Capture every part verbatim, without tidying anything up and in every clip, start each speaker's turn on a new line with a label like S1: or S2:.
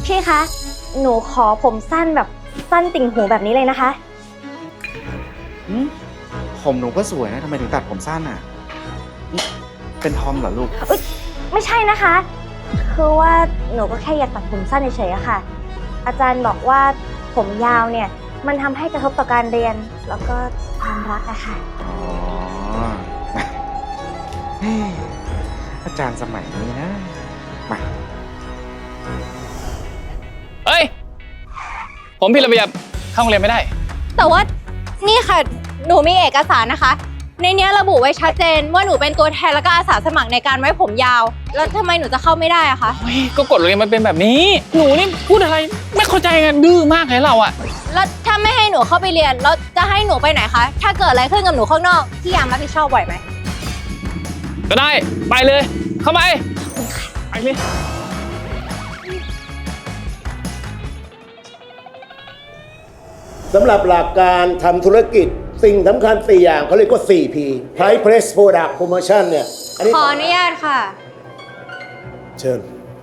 S1: พี่คะ หนูขอผมสั้นแบบสั้นติ่งหูแบบนี้เลยนะคะ
S2: ผมหนูก็สวยนะทำไมถึงตัดผมสั้นอ่ะ เป็นทอมเหรอลูก
S1: ไม่ใช่นะคะ คือว่าหนูก็แค่อยากตัดผมสั้นเฉยๆอะค่ะ อาจารย์บอกว่าผมยาวเนี่ยมันทำให้กระทบต่อการเรียนแล้วก็ความรักอะค่ะ
S2: อ๋อ เฮ้ยอาจารย์สมัยนี้นะ มา
S3: เฮ้ย ผมผิดระเบียบเข้าโรงเรียนไม่ได้
S4: แต่ว่านี่ค่ะหนูมีเอกสารนะคะในนี้ระบุไว้ชัดเจนว่าหนูเป็นตัวแทนแล้วก็อาสาสมัครในการไว้ผมยาวแล้วทำไมหนูจะเข้าไม่ได้อะคะ
S3: เฮ้ย ก็กฎโรงเรียนมันเป็นแบบนี้ หนูนี่พูดอะไรไม่เข้าใจกันดื้อมากเลยเราอะ
S4: แล้วถ้าไม่ให้หนูเข้าไปเรียนแล้วจะให้หนูไปไหนคะถ้าเกิดอะไรขึ้นกับหนูข้างนอกพี่ยามรับผิดชอบไหวไหม
S3: ก็ได้ไปเลย เข้าไปไปเลย
S5: สำหรับหลักการทำธุรกิจสิ่งสำคัญสี่อย่างเขาเรียกว่า สี่ พี Price Place Product Promotion เนี่ยอันนี้
S4: ขออนุญาตค่ะ
S5: เชิญ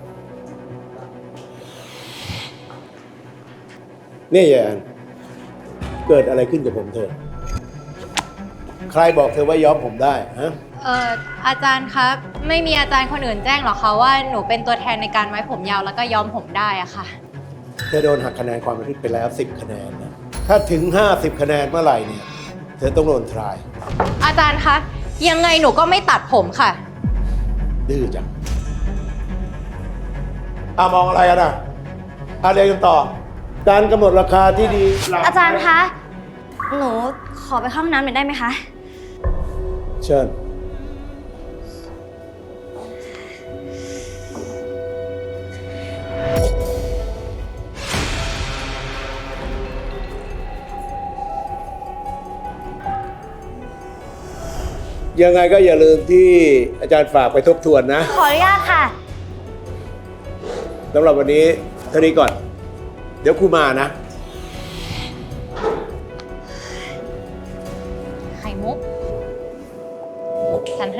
S5: นี่ยานเกิดอะไรขึ้นกับผมเธอ ใครบอกเธอว่าย้อมผมได้ฮะ
S4: เอ่ออาจารย์ครับไม่มีอาจารย์คนอื่นแจ้งหรอคะว่าหนูเป็นตัวแทนในการไว้ผมยาวแล้วก็ย้อมผมได้อะค่ะ
S5: เธอโดนหักคะแนนความประพฤติไปแล้ว สิบ คะแนนนะถ้าถึง ห้าสิบ คะแนนเมื่อไหร่เนี่ยเธอต้องโดนทราย
S4: อาจารย์คะยังไงหนูก็ไม่ตัดผมค่ะ
S5: ดื้อจังอ่ะมองอะไรกันอ่ะอ่ะเรียนกันต่อ การกำหนดราคาที่ดี
S1: อาจารย์คะ หนูขอไปเข้าห้องน้ำหน่อยได้ไหมคะ
S5: เชิญยังไงก็อย่าลืมที่อาจารย์ฝากไปทบทวนนะ
S1: ขออนุญาตค่ะ
S5: สำหรับวันนี้เท่านี้ก่อน เดี๋ยวครูมานะ
S4: ไข่มุกฉันให้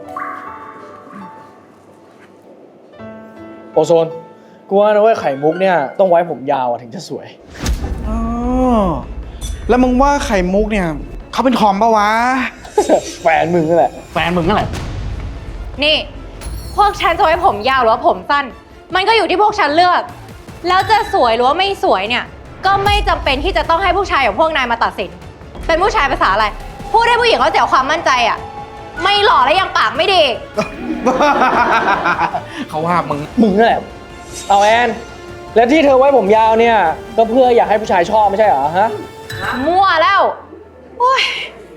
S6: โอโซน กูว่านะเว้ยไข่มุกเนี่ยต้องไว้ผมยาวอะถึงจะสวย
S2: อ๋อ แล้วมึงว่าไข่มุกเนี่ยเขาเป็นทอมปะวะ
S6: แฟนมึงนั่นแหละ
S2: แฟนมึงนั่นแหละ
S4: นี่ พวกฉันจะไว้ผมยาวหรือว่าผมสั้น มันก็อยู่ที่พวกฉันเลือก แล้วจะสวยหรือว่าไม่สวยเนี่ย ก็ไม่จำเป็นที่จะต้องให้ผู้ชายอย่างพวกนายมาตัดสิน เป็นผู้ชายภาษาอะไร พูดให้ผู้หญิงเขาเสียความมั่นใจอ่ะ ไม่หล่อและยังปากไม่ดี
S2: เขาว่ามึง
S6: มึงนั่นแหละ เอาแอน แล้วที่เธอไว้ผมยาวเนี่ยก็เพื่ออยากให้ผู้ชายชอบไม่ใช่เหรอฮะ
S4: มั่วแล้วโอ้ย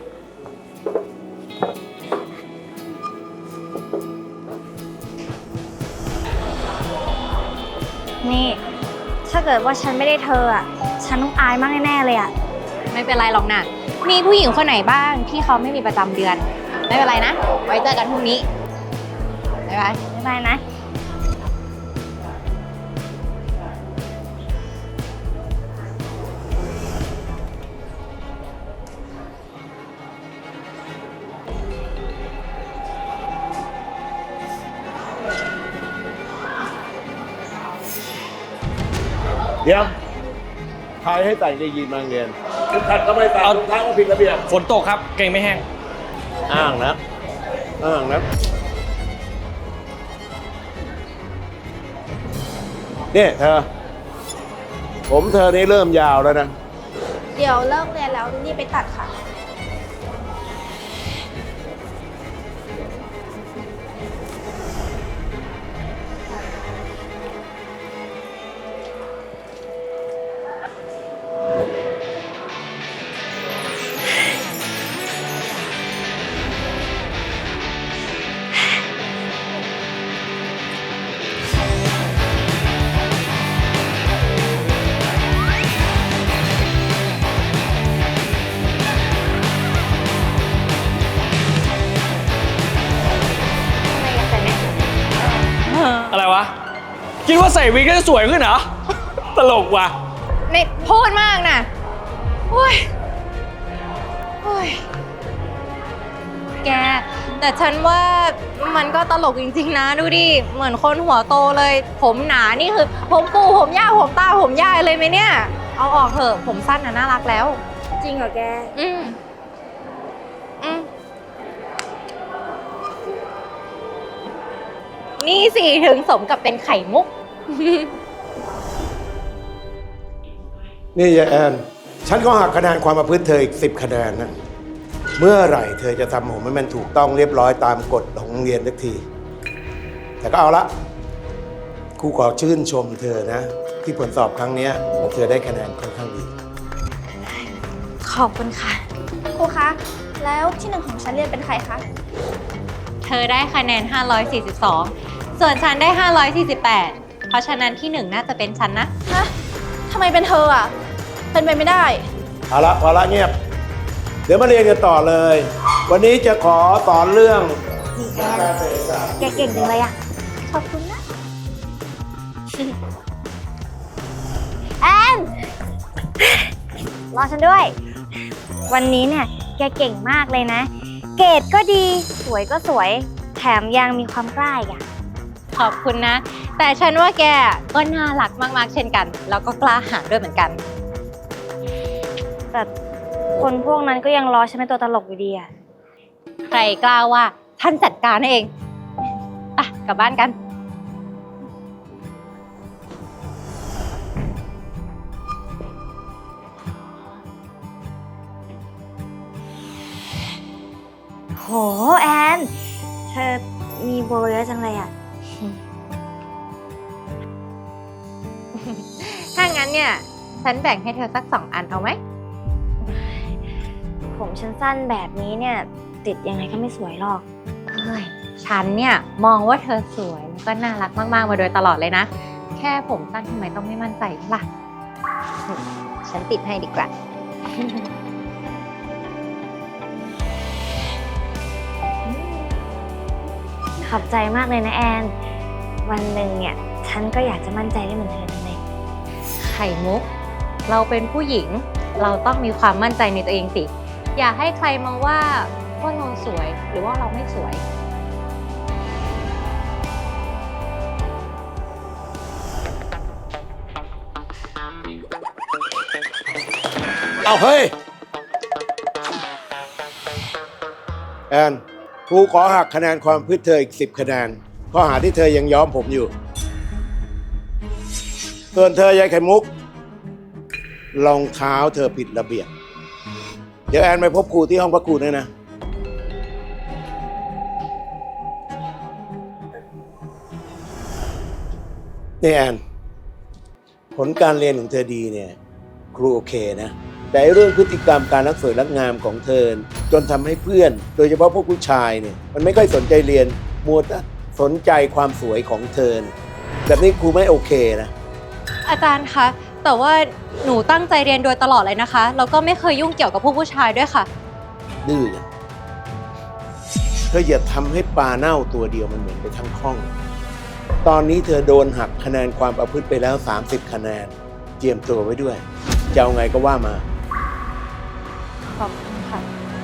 S1: นี่ ถ้าเกิดว่าฉันไม่ได้เธออะฉันต้องอายมากแน่ๆเลยอะ
S4: ไม่เป็นไรหรอกนะมีผู้หญิงคนไหนบ้างที่เขาไม่มีประจำเดือน ไม่เป็นไรนะ ไว้เจอกันพรุ่งนี้ บ๊ายบาย
S1: บ๊ายบายนะ
S5: เดี๋ยวใครให้ใส่ในยีนมาเรียนทุกขัดก็ไม่ใส่รองเท้าก็ผิดระเบียบ
S6: ฝนตกครับ เก่งไม่แห้ง
S5: อ้างนะ อ้างนะ เนี่ยเธอ ผมเธอนี่เริ่มยาวแล้วนะ
S1: เดี๋ยวเลิกเรียนแล้วนี่ไปตัดค่ะ
S6: อะไรวะ คิดว่าใส่วิกแล้วจะสวยขึ้นเหรอ ตลกว่ะ
S4: นี่พูดมากนะโอ้ยโอ้ย แกแต่ฉันว่ามันก็ตลกจริงๆนะดูดิ เหมือนคนหัวโตเลย ผมหนานี่คือ ผมปูผมย่าผมตาผมยายเลยไหมเนี่ย เอาออกเถอะผมสั้นน่ะน่ารักแล้ว
S1: จริงเหรอแก
S4: อืมอืมนี่สิถึงสมกับเป็นไข่มุก
S5: นี่ยายแอน ฉันก็หักคะแนนความประพฤติเธออีกสิบคะแนนนะ เมื่อไหร่เธอจะทำผมให้มันถูกต้องเรียบร้อยตามกฎของโรงเรียนสักที แต่ก็เอาละครูขอชื่นชมเธอนะ ที่ผลสอบครั้งเนี้ยเธอได้คะแนนค่อนข้างดี
S1: ขอบคุณค่ะ
S7: ครูคะ แล้วที่หนึ่งของชั้นเรียนเป็นใครคะ
S4: เธอได้คะแนน ห้าร้อยสี่สิบสอง ส่วนฉันได้ ห้าร้อยสี่สิบแปด เพราะฉะนั้นที่หนึ่งน่าจะเป็นฉันนะ
S7: ฮะทำไมเป็นเธออ่ะ เป็นไปไม่ได้
S5: เอาละพอละเงียบ เดี๋ยวมาเรียนกันต่อเลย วันนี้จะขอสอนเรื่อง
S1: นี่แอนแกเก่งจังเลยอะขอบคุณนะ แอน รอฉันด้วย วันนี้เนี่ยแกเก่งมากเลยนะ เกรดก็ดี สวยก็สวย แถมยังมีความกล้าอีกอะ
S4: ขอบคุณนะ แต่ฉันว่าแกก็น่ารักมากๆเช่นกัน แล้วก็กล้าหาญด้วยเหมือนกัน
S1: แต่คนพวกนั้นก็ยังรอฉันเป็นตัวตลกอยู่ดีอะ
S4: ใครกล้าว่าท่านจัดการเองอ่ะกลับบ้านกัน
S1: โหแอน เธอมีโบเยอะจังเลยอะ
S4: ถ้างั้นเนี่ย ฉันแบ่งให้เธอสักสองอันเอาไหม
S1: ผมฉันสั้นแบบนี้เนี่ยติดยังไงก็ไม่สวยหรอก
S4: เฮ้ยฉันเนี่ยมองว่าเธอสวยแล้วก็น่ารักมากๆมาโดยตลอดเลยนะ แค่ผมสั้นทำไมต้องไม่มั่นใจล่ะนี่ฉันติดให้ดีกว่า
S1: ขอบใจมากเลยนะแอน วันหนึ่งเนี่ยฉันก็อยากจะมั่นใจได้เหมือนเธอจังเลย
S4: ไข่มุก เราเป็นผู้หญิง เราต้องมีความมั่นใจในตัวเองสิ อย่าให้ใครมองว่าว่าเราสวยหรือว่าเราไม่สวย
S5: เอาเฮ้ย แอนครูขอหักคะแนนความพฤติเธออีกสิบคะแนนข้อหาที่เธอยังย้อมผมอยู่ ส่วนเธอยายไข่มุกรองเท้าเธอผิดระเบียบ เดี๋ยวแอนไปพบครูที่ห้องพักครูด้วยนะ นี่แอน ผลการเรียนของเธอดีเนี่ยครูโอเคนะ แต่เรื่องพฤติกรรมการรักสวยรักงามของเธอจนทำให้เพื่อน โดยเฉพาะพวกผู้ชายเนี่ยมันไม่ค่อยสนใจเรียนมัวแต่สนใจความสวยของเธอแบบนี้ครูไม่โอเคนะ
S4: อาจารย์คะ แต่ว่าหนูตั้งใจเรียนโดยตลอดเลยนะคะ แล้วก็ไม่เคยยุ่งเกี่ยวกับพวกผู้ชายด้วยค่ะ
S5: ดื้ออย่างเธออย่าทำให้ปลาเน่าตัวเดียวมันเหมือนไปทั้งห้อง ตอนนี้เธอโดนหักคะแนนความประพฤติไปแล้วสามสิบคะแนนเตรียมตัวไว้ด้วยจะเอาไงก็ว่ามา
S4: ขอบคุณค่ะ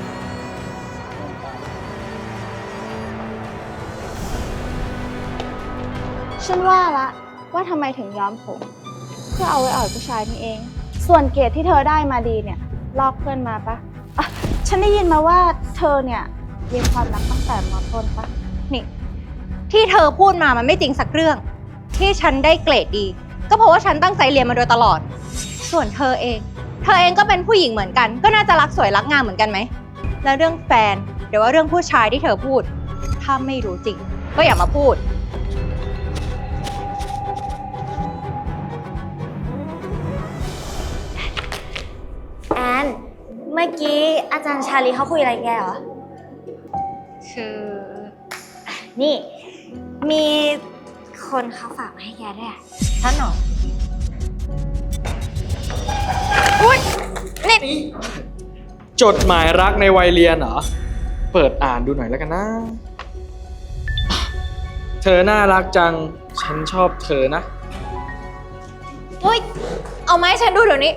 S7: ฉันว่าละว่าทำไมถึงย้อมผม เพื่อเอาไว้อ่อยผู้ชายนี่เอง ส่วนเกรดที่เธอได้มาดีเนี่ยลอกเพื่อนมาปะอ่ะฉันได้ยินมาว่าเธอเนี่ยมีความรักตั้งแต่ม.ต้นปะ
S4: นี่ที่เธอพูดมามันไม่จริงสักเรื่อง ที่ฉันได้เกรดดี ก็เพราะว่าฉันตั้งใจเรียนมาโดยตลอด ส่วนเธอเอง เธอเองก็เป็นผู้หญิงเหมือนกัน ก็น่าจะรักสวยรักงามเหมือนกันไหม แล้วเรื่องแฟนหรือว่าเรื่องผู้ชายที่เธอพูด ถ้าไม่รู้จริง ก็อย่ามาพูด
S1: แอน เมื่อกี้อาจารย์ชาลีเขาคุยอะไรกับแกเหรอ
S4: คือ
S1: นี่ มีคนเขาฝากมาให้แกด้วยอะ
S4: ท่านหรอ
S6: จดหมายรักในวัยเรียนเหรอ เปิดอ่านดูหน่อยแล้วกันนะ เธอน่ารักจัง ฉันชอบเธอนะ
S4: เฮ้ย เอาไมาให้ฉันดูเดี๋ยวนี้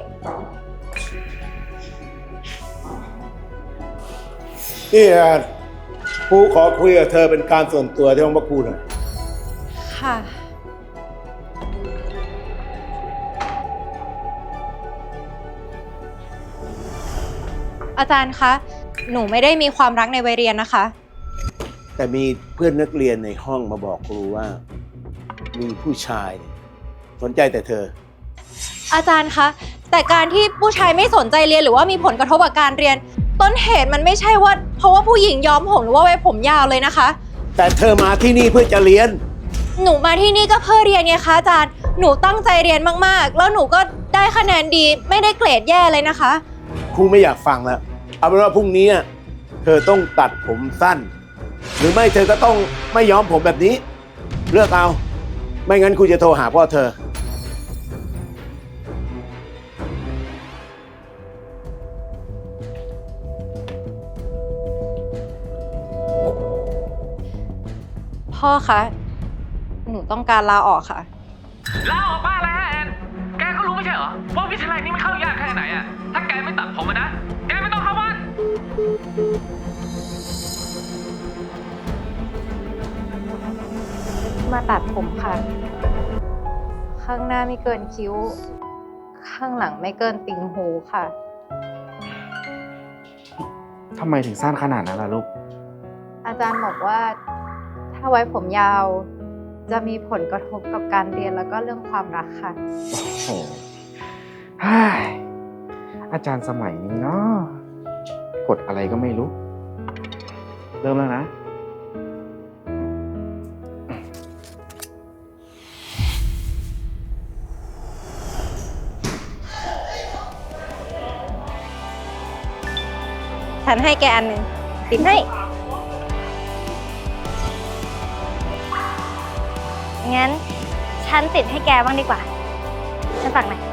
S5: นี่แอนครูขอคุยกับเธอเป็นการส่วนตัวที่ห้องพักครูหน่อย
S4: ค่ะ อาจารย์คะ หนูไม่ได้มีความรักในวัยเรียนนะคะ
S5: แต่มีเพื่อนนักเรียนในห้องมาบอกครูว่า มีผู้ชายสนใจแต่เธอ
S4: อาจารย์คะ แต่การที่ผู้ชายไม่สนใจเรียนหรือว่ามีผลกระทบกับการเรียน ต้นเหตุมันไม่ใช่ว่าเพราะว่าผู้หญิงย้อมผมหรือว่าไว้ผมยาวเลยนะคะ
S5: แต่เธอมาที่นี่เพื่อจะเรียน
S4: หนูมาที่นี่ก็เพื่อเรียนไงคะอาจารย์ หนูตั้งใจเรียนมากๆ แล้วหนูก็ได้คะแนนดีไม่ได้เกรดแย่เลยนะคะ
S5: ครูไม่อยากฟังแล้ว เอาเป็นว่าพรุ่งนี้เธอต้องตัดผมสั้น หรือไม่เธอก็ต้องไม่ย้อมผมแบบนี้ เลือกเอา ไม่งั้นครูจะโทรหาพ่อเธอ
S4: พ่อคะ หนูต้องการลาออกค่ะ
S3: ลาออกบ้านแล้วแอน แกก็รู้ไม่ใช่เหรอว่าวิทยาลัยนี้มันเข้ายากแค่ไหนอะถ้าแกไม่ตัดผมอะนะ แกไม่ต้องเข้าบ้าน
S4: มาตัดผมค่ะ ข้างหน้าไม่เกินคิ้ว ข้างหลังไม่เกินติ่งหูค่ะ
S2: ทำไมถึงสั้นขนาดนั้นล่ะลูก
S4: อาจารย์บอกว่าถ้าไว้ผมยาว จะมีผลกระทบกับการเรียนแล้วก็เรื่องความรักค่ะ
S2: โอ้โหฮ่ายอาจารย์สมัยนี้เนาะกดอะไรก็ไม่รู้ เริ่มแล้วนะ
S1: ฉันให้แกอันหนึ่งติดให้ งั้น ฉันติดให้แกบ้างดีกว่า ฉันฝากหน่อย